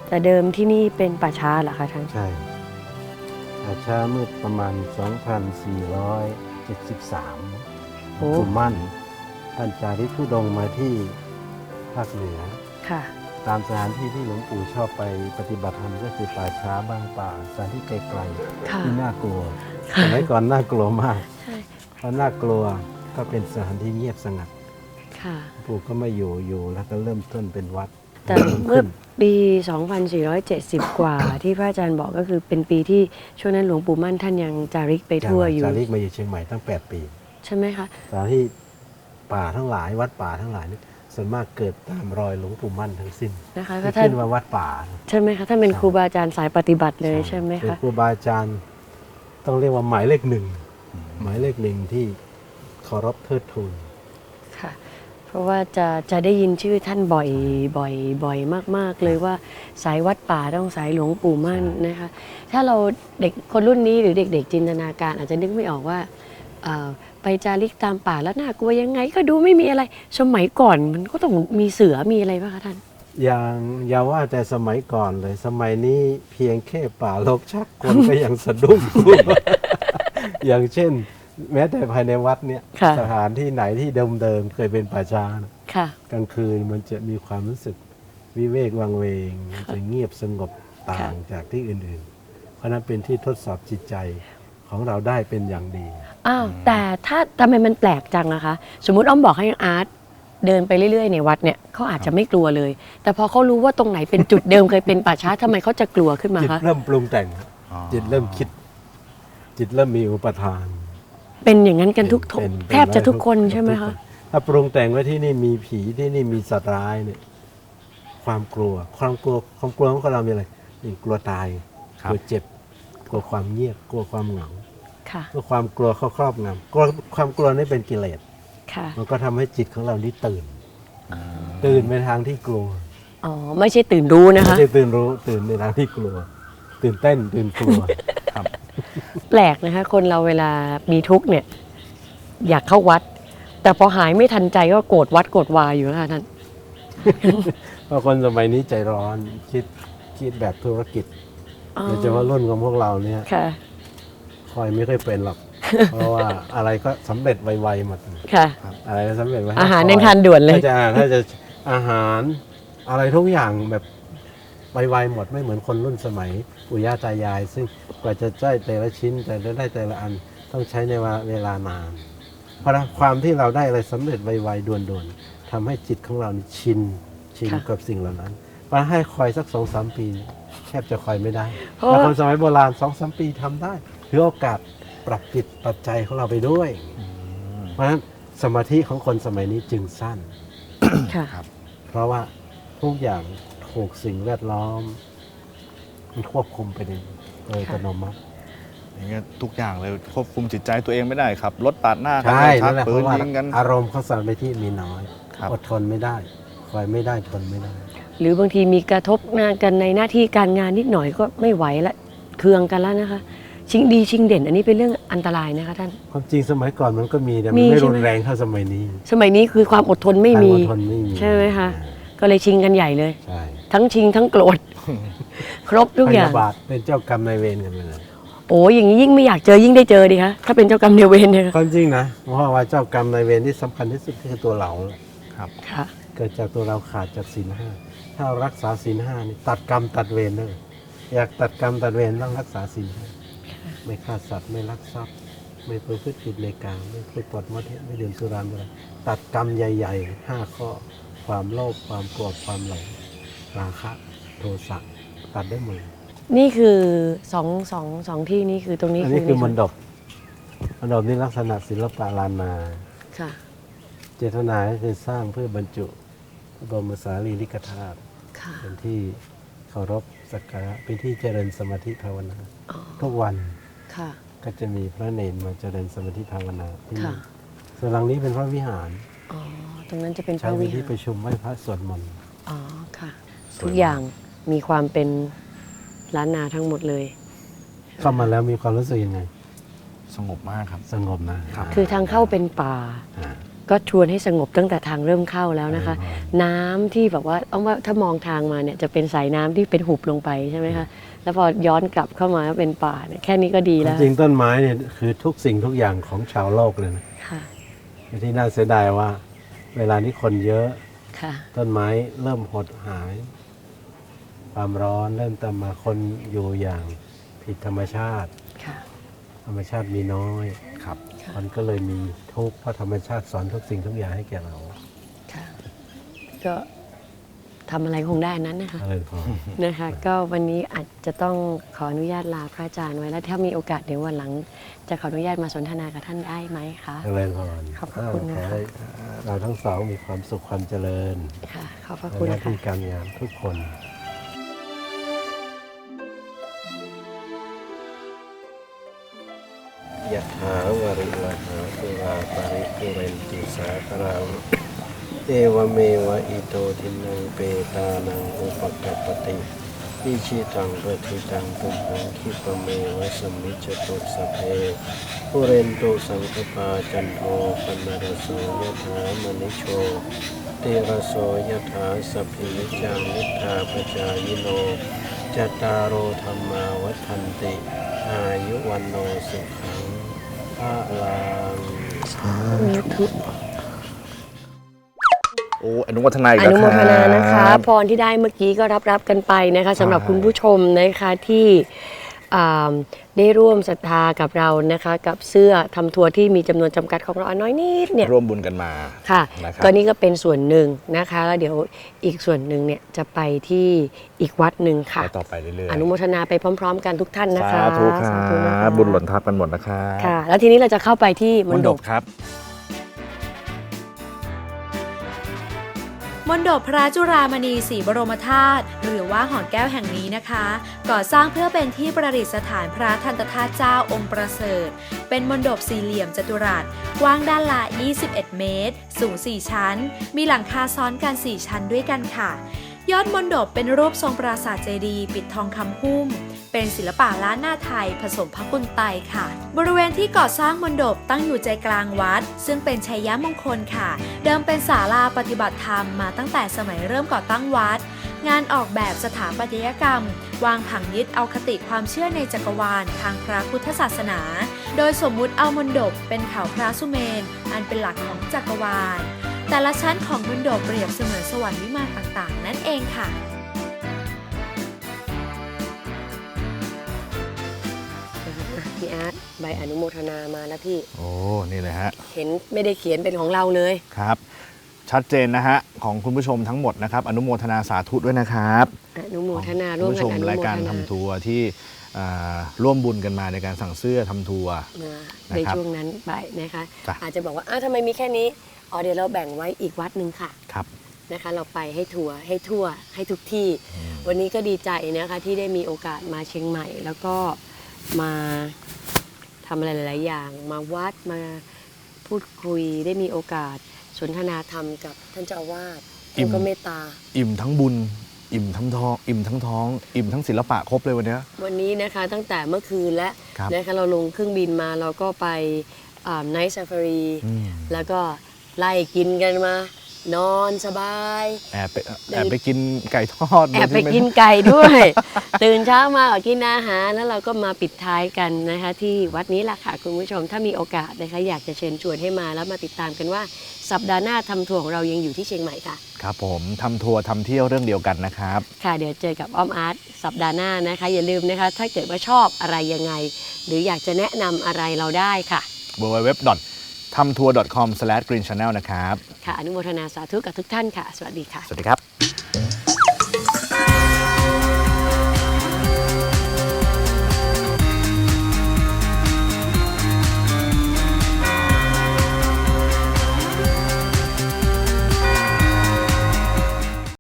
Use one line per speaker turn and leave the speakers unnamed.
แต่เดิมที่นี่เป็นป่าช้าเหรอคะท่าน
ใช่ป่าช้าเมื่อประมาณ 2473
โอ้
หลวงปู่มั่นท่านจาริกธุดงค์มาที่ภาคเหนือ
ค่ะ
ตามสถานที่ที่หลวงปู่ชอบไปปฏิบัติธรรมก็คือป่าช้าบางป่าสถานที่ไกล
ค่ะ
ๆที่น่ากลัว
ค่ะ
สมัยก่อนน่ากลัวมาก
ใช่
เพราะน่ากลัวก็เป็นสถานที่เงียบสงัด
ค่ะ
หลวงปู่ก็ไม่อยู่แล้วก็เริ่มต้นเป็นวัด
แต่เมื่อปี 2470 กว่าที่พระอาจารย์บอกก็คือเป็นปีที่ช่วงนั้นหลวงปู่มั่นท่านยังจาริกไปทั่วอยู่
จาริกมาอยู่เชียงใหม่ตั้ง 8 ปี
ใช่ไหมคะ
สถานที่ป่าทั้งหลายวัดป่าทั้งหลายนี่ส่วนมากเกิดตามรอยหลวงปู่มั่นทั้งสิ้น
นะคะ
ที่
ก็ท่าน
ขึ้นว่าวัดป่า
ใช่ไหมคะท่านเป็นครูบาอาจารย์สายปฏิบัติเลยใช่ไหม
เป็น
คะ
ครูบาอาจารย์ต้องเรียกว่าหมายเลขหนึ่งหมายเลขหนึ่งที่เคารพเทิดทูน
ค่ะ เพราะว่าจะได้ยินชื่อท่านบ่อยมากๆเลยว่าสายวัดป่าต้องสายหลวงปู่มั่นนะคะ ถ้าเราเด็กคนรุ่นนี้หรือเด็กๆจินตนาการอาจจะนึกไม่ออกว่าไปจาริกตามป่าแล้วน่ากลัวยังไงก็ดูไม่มีอะไรสมัยก่อนมันก็ต้องมีเสือมีอะไรป่ะคะท่าน
อย่าว่าแต่สมัยก่อนเลยสมัยนี้เพียงแค่ป่ารกชักคนก็ยังสะดุ้ง อย่างเช่น แม้แต่ภายในวัดเนี่ย
ค่ะ
สถานที่ไหนที่เดิมๆเคยเป็นป่าช้านะ
ค่ะ
กลางคืนมันจะมีความรู้สึกวิเวกวังเวงมันจะเงียบสงบต่างจากที่อื่นๆ เพราะนั้นเป็นที่ทดสอบจิตใจของเราได้เป็นอย่างดี
อ้าวแต่ถ้าทำไมมันแปลกจังนะคะ สมมุติอ้อมบอกให้อาร์ตเดินไปเรื่อยๆในวัดเนี่ยเขาอาจจะไม่กลัวเลย แต่พอเขารู้ว่าตรงไหนเป็นจุดเดิมเคยเป็นป่าช้าทำไมเขาจะกลัวขึ้นมา
จิต
คะ
เริ่มปรุงแต่ง จิตเริ่มคิด จิตเริ่มมีอุปทาน
เป็นอย่างนั้นกันทุก
เป็น
แทบจะทุกคนใช่ไหม
ทุก
คะ
ถ้าปรุงแต่งว่าที่นี่มีผีที่นี่มีสัตว์ร้ายเนี่ยความกลัวของเรามีอะไรนี่กลัวตายกลัวเจ็บ กลัวความเงียบกลัวความเหงา
ค่ะ
กลัวความกลัวครอบงำกลัวความกลัวนี่เป็นกิเลส
ค่ะ
มันก็ทำให้จิตของเรานี่ตื่นไปทางที่กลัว
อ๋อไม่ใช่ตื่นรู้นะ
ไม่
คะ
ใช่ตื่นรู้ตื่นในทางที่กลัว ตื่นเต้นตื่นกลัว
แปลกนะคะ คนเราเวลามีทุกข์เนี่ย อยากเข้าวัด แต่พอหายไม่ทันใจก็โกรธวัดโกรธวาอยู่นะคะท่าน
เพราะคนสมัยนี้ใจร้อนคิดแบบธุรกิจ
อ๋อ
โดยเฉพาะรุ่นของพวกเราเนี่ย
ค่ะ
คอยไม่ค่อยเป็นหรอก เพราะว่าอะไรก็สำเร็จไวๆหมด
ค่ะ
อะไรก็สำเร็จไว
อาหารยังทานด่วนเลย
ถ้าจะอาหารอะไรทุกอย่างแบบไวๆหมดไม่เหมือนคนรุ่นสมัยปู่ย่าตายาย ซึ่งกว่าจะได้แต่ละชิ้นแต่ละได้แต่ละอันต้องใช้ในเวลานาน เพราะความที่เราได้อะไรสำเร็จไวๆด่วนๆทำให้จิตของเรานี่ชิน
ค่ะ
กับสิ่งเหล่านั้นมาให้คอยสัก 2-3 ปีแทบจะคอยไม่ได้
เพราะ
แต่คนสมัยโบราณ 2-3 ปีทำได้ถือโอกาสปรับจิตปรับใจของเราไปด้วย เพราะฉะนั้นสมาธิของคนสมัยนี้จึงสั้น
ค่ะ
เพราะว่าทุกอย่างถูกสิ่งแวดล้อมมันควบคุมไปโดยอัตโนมัติ
อย่างเงี้ยทุกอย่างเลยควบคุมจิตใจตัวเองไม่ได้ครับรถปาดหน้ากัน
ใช่
ชั
นั่นแหละ
ปื
เพ
น
ราะว่า
ยิงกัน
อารมณ์เขาสั่นไปที่มีน้อย
ครับ
อดทนไม่ได้คอยไม่ได้ทนไม่ได้
หรือบางทีมีกระทบงานกันในหน้าที่การงานนิดหน่อยก็ไม่ไหวละเคืองกันแล้วนะคะ ชิงดีชิงเด่น อันนี้เป็นเรื่องอันตรายนะคะท่าน
ความจริงสมัยก่อนมันก็มีแต่
มี
มันไม่
ใช่
รุ
ไหม
นแรงเท่าสมัยนี้
สมัยนี้คือความอดทนไม่มี
ความอดทนไม่มี
ใช่ไหมคะ ก็เลยชิงกันใหญ่เลย
ใช่
ทั้งชิงทั้งโกรธ ครบทุก
พ
อย่าง
ยาบาทเป็นเจ้ากรรมนายเวรกันไปเลย
โอ้ยอย่างนี้ยิ่งไม่อยากเจอยิ่งได้เจอดีคะถ้าเป็นเจ้ากรรมนายเวรเนี่ย
ความจริงนะเพราะว่าเจ้ากรรมนายเวรที่สำคัญที่สุดคือตัวเรา
ค่ะ
เกิดจากตัวเราขาดจากศีลห้าถ้าเรารักษาศีลห้านี่ตัดกรรมตัดเวรเลยอยากตัดกรรมตัดเวรต้องรักษาศีลห้าไม่ฆ่าสัตว์ไม่ลักทรัพย์ไม่ประพฤติผิดในกามไม่พูดปดมดเท็จไม่ดื่มสุราเมรัยตัดกรรมใหญ่ๆ5 ข้อความโลภความโกรธความหลงราคะโทสะตัดได้หมด
นี่คือสองที่นี่คือตรงนี้
อันนี้คือมน
ด
ดบนี่ลักษณะศิลปะล้านนา
ค่ะ
เจตนาก็คือสร้างเพื่อบรรจุพระบรมสารีริกธาตุ
ค่ะ
เป็นที่เคารพสักการะเป็นที่เจริญสมาธิภาวนา
อ๋อ
ทุกวัน
ค่ะ
ก็จะมีพระเนรมาเจริญสมาธิภาวนาที่นี่
ค่ะ
ส่วนหลังนี้เป็นพระวิหาร
อ๋อตรงนั้นจะเป็นพ
ใช้
ระ
เป็
วิ
น
หา
ที่
ร
ประชุมไหว้พระสวดมนต์
อ๋อค่ะ ทุกอย่างมีความเป็นล้านนาทั้งหมดเลย
เข้ามาแล้วมีความรู้สึกยังไง
สงบมากครับ
สงบนะ
ครับ
คือทางเข้าเป็นป่า
อ่า
ก็ชวนให้สงบตั้งแต่ทางเริ่มเข้าแล้วนะคะ น้ำที่แบบว่าเอาว่าถ้ามองทางมาเนี่ยจะเป็นสายน้ำที่เป็นหุบลงไปใช่ไหมคะแล้วพอย้อนกลับเข้ามาเป็นป่าเนี่ยแค่นี้ก็ดีแล้ว
จริงๆต้นไม้เนี่ยคือทุกสิ่งทุกอย่างของชาวโลกเลยนะ
ค่ะ
ที่น่าเสียดายว่า เวลานี้คนเยอะ
ค่ะ
ต้นไม้เริ่มหดหาย ความร้อนเริ่มตามมาคนอยู่อย่างผิดธรรมชาติ
ค่ะ
ธรรมชาติมีน้อย
ครับ
มันก็เลยมีทุกข์เพราะธรรมชาติสอนทุกสิ่งทุกอย่างให้แก่เรา
ค่ะ ก็ทำอะไรคงได้อันนั้นนะคะ
อะไรพอ
นะคะ ก็วันนี้อาจจะต้องขออนุญาตลาพระอาจารย์ไว้แล้วถ้ามีโอกาสเดี๋ยววันหลัง จะขออนุญาตมาสนทนากับท่านได้ไหมคะ
เจริญพร
ขอบพระคุณนะคะ
ขอให้เราทั้งสองมีความสุขความเจริญ
ค่ะ ขอบพระ
ใน
คุณ
หน้า
ค่ะ
ที่การงานทุกคนยะถาวริวหาปุราปริปุเรนติสาครังเอวเมวะอิโตทินังเปตานังอุปกัปปติอิชิตังปฏิตังตุมหังคิปะเมวะสมมิจจตุสัพเพปุเรนตุสังคปาจันโทปนรสโสยะถามณิโชติรสโสยะถาสัพพิวิจังนิธาปจายโนจัตตารโอธรรมาวัฏันติอายุวันโนสุขังพระลัง
โอ้อนุโมทนาอีก
อ
แล้ว
นุโมทนานะคะ
รับ
พรที่ได้เมื่อกี้ก็รับกันไปนะคะสำหรับคุณผู้ชมนะคะที่ได้ร่วมศรัทธากับเรานะคะกับเสื้อทำทัวร์ที่มีจำนวนจำกัดของเราน้อยนิดเนี่ย
ร่วมบุญกันมา
ค่ะ
นะครับ
ก็นี่ก็เป็นส่วนหนึ่งนะคะแล้วเดี๋ยวอีกส่วนหนึ่งเนี่ยจะไปที่อีกวัดหนึ่งค่ะ
ไปต่อไปเรื่อยๆ
อนุโมทนาไปพร้อม ๆ กันทุกท่านนะคะ
สาธุค
สาธุนะ
รั
คะ
บบุญหล่นทับกันหมดนะครับ
ค่ะ แล้วทีนี้เราจะเข้าไปที่ม
ม
ณ
ณ
ฑ
ฑ
ป
ปครับ
มณฑปพระจุฬามณีศรีบรมธาตุหรือว่าหอแก้วแห่งนี้นะคะ ก่อสร้างเพื่อเป็นที่ประดิษฐานพระทันตธาตุเจ้าองค์ประเสริฐ เป็นมณฑปสี่เหลี่ยมจัตุรัสกว้างด้านละ 21 เมตร สูง 4 ชั้น มีหลังคาซ้อนกัน 4 ชั้นด้วยกันค่ะ ยอดมณฑปเป็นรูปทรงปราสาทเจดีย์ปิดทองคำหุ้ม เป็นศิลปะล้านนาไทยผสมพระกุลไตค่ะ บริเวณที่ก่อสร้างมณฑปตั้งอยู่ใจกลางวัด ซึ่งเป็นชัยมงคลค่ะ เดิมเป็นศาลาปฏิบัติธรรมมาตั้งแต่สมัยเริ่มก่อตั้งวัด งานออกแบบสถาปัตยกรรม วางผังยึดเอาคติความเชื่อในจักรวาลทางพระพุทธศาสนา โดยสมมุติเอามณฑปเป็นเขาพระสุเมน อันเป็นหลักของจักรวาล แต่ละชั้นของมณฑปเปรียบเสมือนสวรรค์วิมานต่างๆ นั่นเองค่ะ
พี่อาร์ตใบอนุโมทนามาแล้วพี่
โอ้ นี่เลยฮะ
เห็นไม่ได้เขียนเป็นของเราเลย
ครับ ชัดเจนนะฮะ ของคุณผู้ชมทั้งหมดนะครับ อนุโมทนาสาธุด้วยนะครับ
อนุโมทนา
คุ
ร่ว
ณ
ม
ผู้
กั
ช
น
ม
อนุโมทนาร
ายการทำทัวร์ที่ร่วมบุญกันมาในการสั่งเสื้อทำทัวร์
ใน
นะครับ
ช่วงนั้นไปนะคะ
จ้ะ
อาจจะบอกว่าทำไมมีแค่นี้อ๋อเดี๋ยวเราแบ่งไว้อีกวัดหนึ่งค่ะ
ครับ
นะคะ เราไปให้ทัวร์ให้ทั่วให้ทุกที่ วันนี้ก็ดีใจนะคะที่ได้มีโอกาสมาเชียงใหม่ แล้วก็มาทำอะไรหลาย ๆ อย่าง มาวัดมาพูดคุยได้มีโอกาสสนทนาธรรมกับท่านเจ้าอาวาส
อิ่
ท่าน
ม
ก็เมตตา
อิ่มทั้งบุญ อิ่มทั้งทอง อิ่มทั้งท้อง อิ่มทั้งศิลปะครบเลยวันเนี้ย
วันนี้นะคะตั้งแต่เมื่อคืนแล้ว
ครับ
นะคะเราลงเครื่องบินมาเราก็ไปไนท์ซาฟารี
อืม
แล้วก็ไล่กินกันมา นอนสบาย
แอบไปกินไก่ทอด
แอบไป
โดยที่ม่
กินไก่ด้วย ตื่นเช้ามาก็กินอาหารแล้วเราก็มาปิดท้ายกันนะคะที่วัดนี้แหละค่ะคุณผู้ชมถ้ามีโอกาสนะคะอยากจะเชิญชวนให้มาแล้วมาติดตามกันว่าสัปดาห์หน้าทำทัวร์ของเรายังอยู่ที่เชียงใหม่ค่ะ
ครับผมทำทัวร์ทำเที่ยวเรื่องเดียวกันนะครับ
ค่ะเดี๋ยวเจอกับอ้อมอาร์ตสัปดาห์หน้านะคะ อย่าลืมนะคะ ถ้าเกิดว่าชอบอะไรยังไง หรืออยากจะแนะนำอะไรเราได้ค่ะ
www.tamtour.com/greenchannel นะครับ
ค่ะ อนุโมทนาสาธุกับทุกท่านค่ะ สวัสดีค่ะ
สวัสดีครับ